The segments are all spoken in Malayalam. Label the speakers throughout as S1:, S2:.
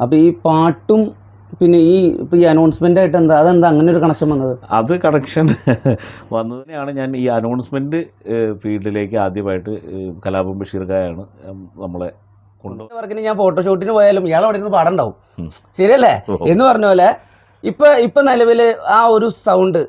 S1: അപ്പോൾ ഈ പാട്ടും പിന്നെ ഈ അനൗൺസ്മെൻ്റ് ആയിട്ട് അതെന്താ അങ്ങനെ ഒരു കണക്ഷൻ വന്നത്?
S2: അത് കണക്ഷൻ വന്നതിനെയാണ് ഞാൻ ഈ അനൗൺസ്മെൻറ്റ് ഫീൽഡിലേക്ക് ആദ്യമായിട്ട് കലാപം ബഷീർക്കായാണ് നമ്മളെ
S1: വർക്കിന് ഞാൻ ഫോട്ടോഷൂട്ടിന് പോയാലും ഇയാൾ അവിടെ ഇരുന്ന് പാടുണ്ടാവും, ശരിയല്ലേ എന്ന് പറഞ്ഞ പോലെ ഇപ്പൊ നിലവിൽ ആ ഒരു സൗണ്ട്,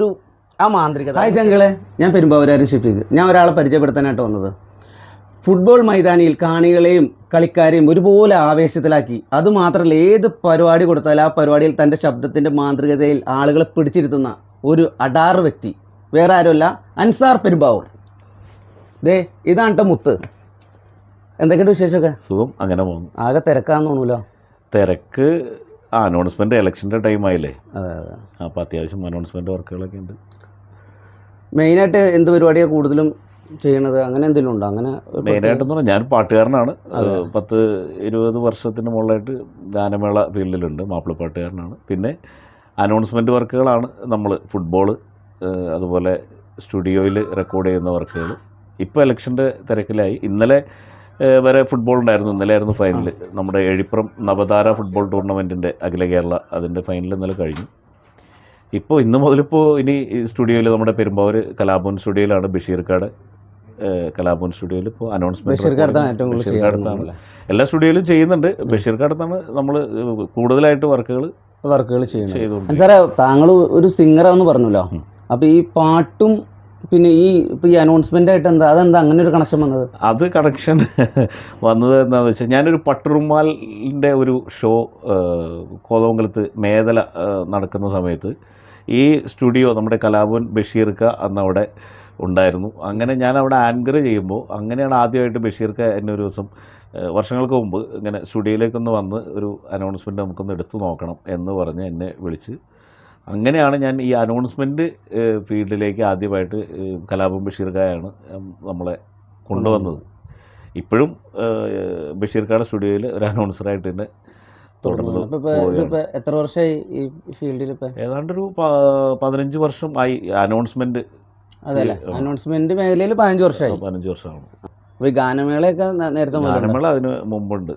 S1: ആ മാന്ത്രികത. ഹായ് ജംഗിളെ, ഞാൻ പെരുമ്പാവൂരാരും ഷിഫീഖ്. ഞാൻ ഒരാളെ പരിചയപ്പെടുത്താനായിട്ട് വന്നത്. ഫുട്ബോൾ മൈതാനിയിൽ കാണികളെയും കളിക്കാരെയും ഒരുപോലെ ആവേശത്തിലാക്കി, അതുമാത്രമല്ല ഏത് പരിപാടി കൊടുത്താലും ആ പരിപാടിയിൽ തൻ്റെ ശബ്ദത്തിൻ്റെ മാന്ത്രികതയിൽ ആളുകളെ പിടിച്ചിരുത്തുന്ന ഒരു അടാറ് വ്യക്തി വേറെ ആരുമല്ല, അൻസാർ പെരുമ്പാവൂർ. ദേ ഇതാണ് കേട്ടോ മുത്ത്. എന്തൊക്കെയുണ്ട് വിശേഷമൊക്കെ?
S2: സുഖം, അങ്ങനെ പോകുന്നു.
S1: ആകെ തിരക്കാന്ന് തോന്നൂലോ?
S2: തിരക്ക് അനൗൺസ്മെൻറ്റ് ഇലക്ഷൻ്റെ ടൈമായില്ലേ,
S1: അതെ അതെ.
S2: അപ്പോൾ അത്യാവശ്യം അനൗൺസ്മെൻറ്റ് വർക്കുകളൊക്കെ ഉണ്ട്.
S1: മെയിനായിട്ട് എന്ത് പരിപാടിയാണ് കൂടുതലും ചെയ്യണത്? അങ്ങനെ എന്തെങ്കിലും ഉണ്ടോ? അങ്ങനെ
S2: മെയിനായിട്ടെന്ന് പറഞ്ഞാൽ ഞാൻ പാട്ടുകാരനാണ്. 10-20 വർഷത്തിന് മുകളിലായിട്ട് ഗാനമേള ഫീൽഡിലുണ്ട്, മാപ്പിളപ്പാട്ടുകാരനാണ്. പിന്നെ അനൗൺസ്മെൻറ്റ് വർക്കുകളാണ് നമ്മൾ ഫുട്ബോൾ, അതുപോലെ സ്റ്റുഡിയോയിൽ റെക്കോർഡ് ചെയ്യുന്ന വർക്കുകൾ. ഇപ്പോൾ ഇലക്ഷൻ്റെ തിരക്കിലായി. ഇന്നലെ വരെ ഫുട്ബോൾ ഉണ്ടായിരുന്നു. ഇന്നലെ ആയിരുന്നു ഫൈനൽ. നമ്മുടെ എഴിപ്പുറം നവതാര ഫുട്ബോൾ ടൂർണമെൻറ്റിൻ്റെ അഖില കേരള അതിൻ്റെ ഫൈനൽ ഇന്നലെ കഴിഞ്ഞു. ഇപ്പോൾ ഇന്ന് മുതലിപ്പോൾ ഇനി സ്റ്റുഡിയോയിൽ നമ്മുടെ പെരുമ്പാവൂർ കലാഭവൻ സ്റ്റുഡിയോയിലാണ് ബഷീർക്കാട് കലാഭവൻ സ്റ്റുഡിയോയിൽ ഇപ്പോൾ അനൗൺസ്മെൻറ്റ് ബഷീർക്കാടത്താണ്. എല്ലാ സ്റ്റുഡിയോയിലും ചെയ്യുന്നുണ്ട്. ബഷീർക്കാടത്താണ് നമ്മൾ കൂടുതലായിട്ട് വർക്കുകൾ
S1: ചെയ്യുന്നത്. സാറേ, താങ്കൾ ഒരു സിംഗറാണെന്ന് പറഞ്ഞല്ലോ. അപ്പോൾ ഈ പാട്ടും പിന്നെ ഈ അനൗൺസ്മെൻ്റ് ആയിട്ട് അതെന്താ അങ്ങനെ ഒരു കണക്ഷൻ വന്നത്?
S2: അത് കണക്ഷൻ വന്നത് എന്താണെന്ന് വെച്ചാൽ, ഞാനൊരു പട്ടുറുമാലിൻ്റെ ഒരു ഷോ കോതമംഗലത്ത് മേദല നടക്കുന്ന സമയത്ത് ഈ സ്റ്റുഡിയോ നമ്മുടെ കലാഭവൻ ബഷീർക്ക അന്നവിടെ ഉണ്ടായിരുന്നു. അങ്ങനെ ഞാൻ അവിടെ ആങ്കർ ചെയ്യുമ്പോൾ അങ്ങനെയാണ് ആദ്യമായിട്ട് ബഷീർക്ക എന്നെ ഒരു ദിവസം വർഷങ്ങൾക്ക് മുമ്പ് ഇങ്ങനെ സ്റ്റുഡിയോയിലേക്കൊന്ന് വന്ന് ഒരു അനൗൺസ്മെൻറ്റ് നമുക്കൊന്ന് എടുത്തു നോക്കണം എന്ന് പറഞ്ഞ് എന്നെ വിളിച്ച്, അങ്ങനെയാണ് ഞാൻ ഈ അനൗൺസ്മെൻറ്റ് ഫീൽഡിലേക്ക് ആദ്യമായിട്ട് കലാപം ബഷീർക്കായാണ് നമ്മളെ കൊണ്ടുവന്നത്. ഇപ്പോഴും ബഷീർക്കാട് സ്റ്റുഡിയോയിൽ ഒരു അനൗൺസറായിട്ട് തന്നെ തുടർന്നു.
S1: എത്ര വർഷമായി ഈ ഫീൽഡിൽ?
S2: ഏതാണ്ടൊരു 15 വർഷം ആയി അനൗൺസ്മെൻറ്റ്.
S1: അതല്ലേ, അനൗൺസ്മെൻറ്റ് മേഖലയിൽ 15 വർഷമായി.
S2: 15 വർഷമാണ്.
S1: അപ്പോൾ ഈ ഗാനമേളയൊക്കെ നേരത്തെ
S2: ഗാനമേള അതിന് മുമ്പുണ്ട്.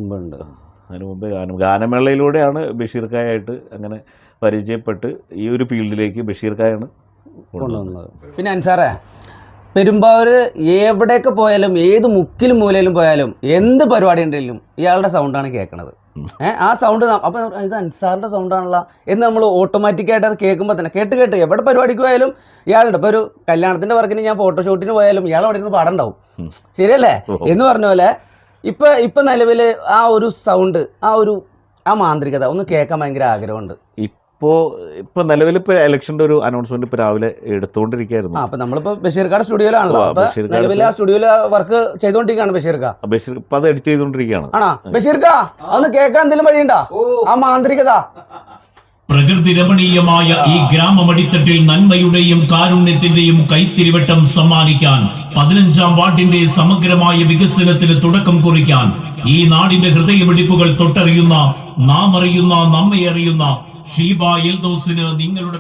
S2: അതിന് മുമ്പേ ഗാനമേളയിലൂടെയാണ് ബഷീർക്കായായിട്ട് അങ്ങനെ പരിചയപ്പെട്ട് ഈ ഒരു ഫീൽഡിലേക്ക് ബഷീർക്കായാണ് കൊണ്ടുവന്നത്.
S1: പിന്നെ അൻസാറേ, പെരുമ്പാവൂർ എവിടെയൊക്കെ പോയാലും ഏത് മുക്കിലും മൂലയിലും പോയാലും എന്ത് പരിപാടി ഉണ്ടെങ്കിലും ഇയാളുടെ സൗണ്ടാണ് കേൾക്കണത്. ആ സൗണ്ട് അപ്പം ഇത് അൻസാറിൻ്റെ സൗണ്ടാണല്ലോ എന്ന് നമ്മൾ ഓട്ടോമാറ്റിക്കായിട്ട് അത് കേൾക്കുമ്പോൾ തന്നെ കേട്ട് എവിടെ പരിപാടിക്ക് പോയാലും ഇയാളുണ്ട്. ഇപ്പോൾ ഒരു കല്യാണത്തിൻ്റെ വർക്കിന് ഞാൻ ഫോട്ടോഷൂട്ടിന് പോയാലും ഇയാൾ അവിടെ ഇരുന്ന് പാടുണ്ടാവും, ശരിയല്ലേ എന്ന് പറഞ്ഞ പോലെ ഇപ്പം നിലവിൽ ആ ഒരു സൗണ്ട്, ആ മാന്ത്രികത ഒന്ന് കേൾക്കാൻ ഭയങ്കര ആഗ്രഹമുണ്ട്.
S2: ഇപ്പോൾ നിലവിൽ ഇപ്പോൾ ഇലക്ഷൻ്റെ ഒരു അനൗൺസ്മെന്റ് ഇപ്പോൾ രാവിലെ എടുത്തുകൊണ്ടിരിക്കുകയായിരുന്നു.
S1: അപ്പോൾ നമ്മളിപ്പോൾ ബഷീർക്കാട് സ്റ്റുഡിയോയിലാണല്ലോ. നിലവിൽ ആ സ്റ്റുഡിയോയിൽ വർക്ക് ചെയ്തുകൊണ്ടിരിക്കുകയാണ് ബഷീർക്ക.
S2: ഇപ്പോൾ അത് എഡിറ്റ് ചെയ്തുകൊണ്ടിരിക്കുകയാണ്.
S1: ആണോ ബഷീർക്ക? അതൊന്ന് കേൾക്കാൻ എന്തെങ്കിലും വഴിയുണ്ടോ? ആ മാന്ത്രികത.
S3: പ്രകൃതി രമണീയമായ ഈ ഗ്രാമമടിത്തട്ടിൽ നന്മയുടെയും കാരുണ്യത്തിന്റെയും കൈത്തിരിവട്ടം സമ്മാനിക്കാൻ 15ാം വാർഡിന്റെ സമഗ്രമായ വികസനത്തിന് തുടക്കം കുറിക്കാൻ ഈ നാടിന്റെ ഹൃദയമിടിപ്പുകൾ തൊട്ടറിയുന്ന, നാം അറിയുന്ന, നമ്മെ അറിയുന്ന ഷീബ എൽദോസിന് നിങ്ങളുടെ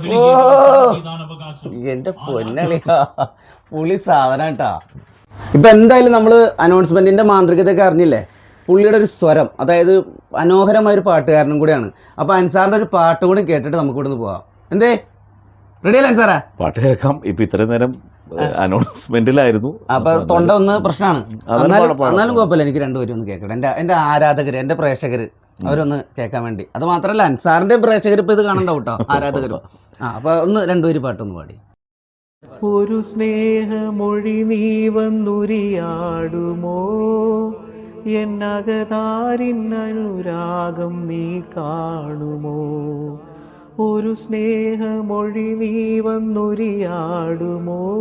S1: എന്റെ പൊന്നളിയാ, പുളി സാധനം കേട്ടാ. ഇപ്പൊ എന്തായാലും നമ്മള് അനൗൺസ്മെന്റിന്റെ മാന്ത്രികതയൊക്കെ അറിഞ്ഞില്ലേ? പുള്ളിയുടെ ഒരു സ്വരം, അതായത് മനോഹരമായ ഒരു പാട്ടുകാരനും കൂടിയാണ്. അപ്പൊ അൻസാറിന്റെ ഒരു പാട്ട് കൂടി കേട്ടിട്ട് നമുക്ക് ഇവിടുന്ന് പോവാം. എന്തേ, റെഡിയല്ലേ അൻസാറാ?
S2: പാട്ട് കേൾക്കാം. ഇപ്പൊ ഇത്രയും നേരം അനൗൺസ്മെന്റിലായിരുന്നു,
S1: അപ്പൊ തൊണ്ട ഒന്ന് പ്രശ്നമാണ്. എന്നാലും കുഴപ്പമില്ല, എനിക്ക് രണ്ടുപേരും ഒന്ന് കേൾക്കട്ടെ. എന്റെ ആരാധകര്, എന്റെ പ്രേക്ഷകര് അവരൊന്ന് കേൾക്കാൻ വേണ്ടി. അത് മാത്രമല്ല അൻസാറിന്റെ പ്രേക്ഷകർ ഇപ്പൊ ഇത് കാണണ്ടാവും കേട്ടോ, ആരാധകരും. അപ്പൊ ഒന്ന് രണ്ടുപേര് പാട്ടൊന്ന് പാടി.
S4: ഒരു സ്നേഹമൊഴി നീ വന്നുരിയാടുമോ, എന്നകതാരിൻ അനുരാഗം നീ കാണുമോ. ഒരു സ്നേഹമൊഴി നീ വന്നുരിയാടുമോ,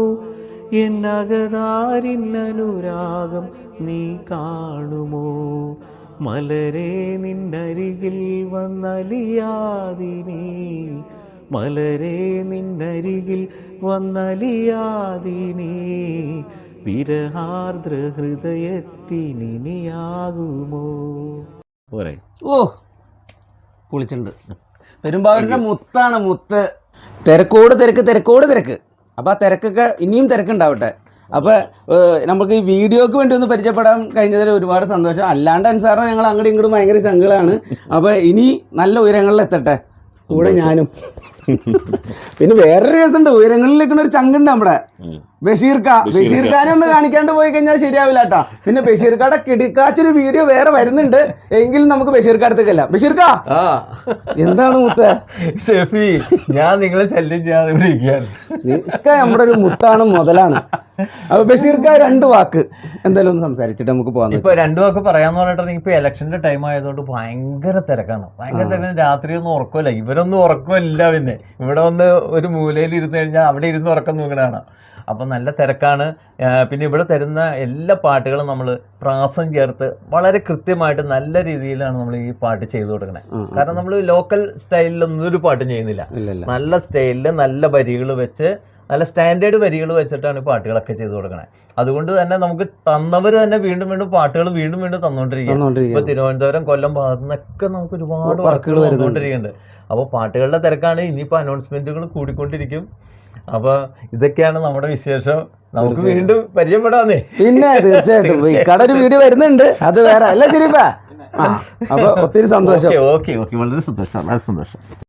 S4: എന്നകതാരിൻ അനുരാഗം നീ കാണുമോ. മലരെ നിന്നരികിൽ വന്നലിയാതിനീ, മലരെ നിന്നരികിൽ വന്നലിയാതിനീ, വിരഹാർദ്ര ഹൃദയത്തിനിയാകുമോ.
S1: ഓ പൊളിച്ചിട്ടുണ്ട്. പെരുമ്പാവൂരിന്റെ മുത്താണ്, മുത്ത്. തിരക്കോട് തിരക്ക്. അപ്പൊ ആ തിരക്കൊക്കെ ഇനിയും തിരക്കുണ്ടാവട്ടെ. അപ്പോൾ നമുക്ക് ഈ വീഡിയോക്ക് വേണ്ടി ഒന്ന് പരിചയപ്പെടാൻ കഴിഞ്ഞതിൽ ഒരുപാട് സന്തോഷം. അല്ലാണ്ട് അൻസാറിനെ ഞങ്ങൾ അങ്ങോട്ടും ഇങ്ങോട്ടും ഭയങ്കര ചങ്കളാണ്. അപ്പോൾ ഇനി നല്ല ഉയരങ്ങളിൽ എത്തട്ടെ, കൂടെ ഞാനും. പിന്നെ വേറൊരു കേസുണ്ട്, ഉയരങ്ങളിൽ നിൽക്കുന്ന ഒരു ചങ്കുണ്ട് നമ്മുടെ ബഷീർ ഖാനെ ഒന്ന് കാണിക്കാണ്ട് പോയി കഴിഞ്ഞാൽ ശരിയാവില്ല കേട്ടാ. പിന്നെ ബഷീർ ഖാടെ കിടിക്കാച്ചൊരു വീഡിയോ വേറെ വരുന്നുണ്ട്, എങ്കിലും നമുക്ക് ബഷീർ ഖാടത്തേക്കല്ല. ബഷീർ ഖാ എന്താണ് മുത്ത
S5: ഷെഫി, ഞാൻ നിങ്ങളെ ശല്യം ചെയ്യാതെ ഇവിടെ ഇരിക്കുകയാണ്.
S1: നിക്ക നമ്മുടെ ഒരു മുത്താണ്, മുതലാണ്. അപ്പൊ ബഷീർ ഖാ 2 വാക്ക് എന്തായാലും ഒന്ന് സംസാരിച്ചിട്ട് നമുക്ക് പോകാൻ.
S5: ഇപ്പൊ 2 വാക്ക് പറയാന്ന് പറഞ്ഞിട്ടുണ്ടെങ്കിൽ ഇപ്പൊ ഇലക്ഷന്റെ ടൈം ആയതുകൊണ്ട് ഭയങ്കര തിരക്കാണ്. രാത്രിയൊന്നും ഉറക്കമില്ല, ഇവരൊന്നും ഉറക്കമില്ല. പിന്നെ ഇവിടെ വന്ന് ഒരു മൂലയിൽ ഇരുന്ന് കഴിഞ്ഞാൽ അവിടെ ഇരുന്ന് ഉറക്കം നോക്കണതാണ്. അപ്പം നല്ല തിരക്കാണ്. പിന്നെ ഇവിടെ തരുന്ന എല്ലാ പാട്ടുകളും നമ്മൾ പ്രാസം ചേർത്ത് വളരെ കൃത്യമായിട്ട് നല്ല രീതിയിലാണ് നമ്മൾ ഈ പാട്ട് ചെയ്തു കൊടുക്കണേ. കാരണം നമ്മൾ ലോക്കൽ സ്റ്റൈലിലൊന്നും ഒരു പാട്ടും ചെയ്യുന്നില്ല. നല്ല സ്റ്റൈലിൽ നല്ല വരികൾ വെച്ച്, നല്ല സ്റ്റാൻഡേർഡ് വരികൾ വെച്ചിട്ടാണ് ഈ പാട്ടുകളൊക്കെ ചെയ്തു കൊടുക്കണേ. അതുകൊണ്ട് തന്നെ നമുക്ക് തന്നവർ തന്നെ വീണ്ടും വീണ്ടും പാട്ടുകൾ വീണ്ടും വീണ്ടും തന്നുകൊണ്ടിരിക്കുകയാണ്. ഇപ്പൊ തിരുവനന്തപുരം, കൊല്ലം ഭാഗത്തു നിന്നൊക്കെ നമുക്ക് ഒരുപാട് വർക്കുകൾ വന്നുകൊണ്ടിരിക്കുന്നുണ്ട്. അപ്പോൾ പാട്ടുകളുടെ തിരക്കാണ്. ഇനിയിപ്പോൾ അനൗൺസ്മെന്റുകൾ കൂടിക്കൊണ്ടിരിക്കും. അപ്പൊ ഇതൊക്കെയാണ് നമ്മുടെ വിശേഷം. നമുക്ക് വീണ്ടും പരിചയപ്പെടാന്നേ.
S1: പിന്നെ തീർച്ചയായിട്ടും കട ഒരു വീഡിയോ വരുന്നുണ്ട്, അത് വേറെ അല്ല. ശരിപ്പാ. അപ്പൊ ഒത്തിരി സന്തോഷം.
S5: ഓക്കെ വളരെ സന്തോഷം.